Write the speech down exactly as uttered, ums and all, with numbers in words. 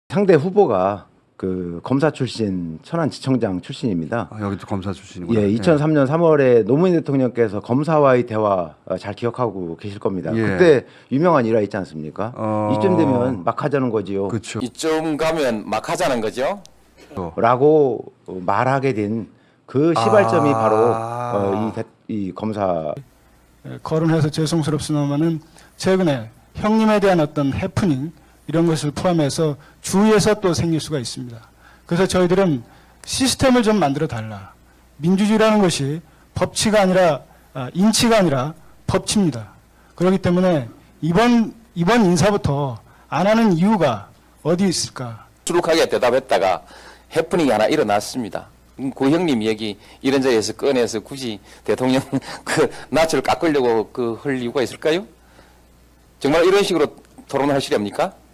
상대 후보가 그 검사 출신 천안지청장 출신입니다. 아, 여기도 검사 출신이구나. 예, 이천삼 년 삼월에 노무현 대통령께서 검사와의 대화 어, 잘 기억하고 계실 겁니다. 예. 그때 유명한 일화 있지 않습니까? 어... 이쯤 되면 막 하자는 거지요. 그렇죠. 이쯤 가면 막 하자는 거죠. 라고 말하게 된 그 시발점이 아... 바로 어, 이, 대, 이 검사. 거론해서 죄송스럽습니다만은 최근에 형님에 대한 어떤 해프닝 이런 것을 포함해서 주위에서 또 생길 수가 있습니다. 그래서 저희들은 시스템을 좀 만들어 달라. 민주주의라는 것이 법치가 아니라 아, 인치가 아니라 법치입니다. 그렇기 때문에 이번 이번 인사부터 안 하는 이유가 어디 있을까? 수룩하게 대답했다가 해프닝이 하나 일어났습니다. 음, 고 형님 얘기 이런 자리에서 꺼내서 굳이 대통령 그 낯을 깎으려고 그 할 이유가 있을까요? 정말 이런 식으로 토론을 하시렵니까?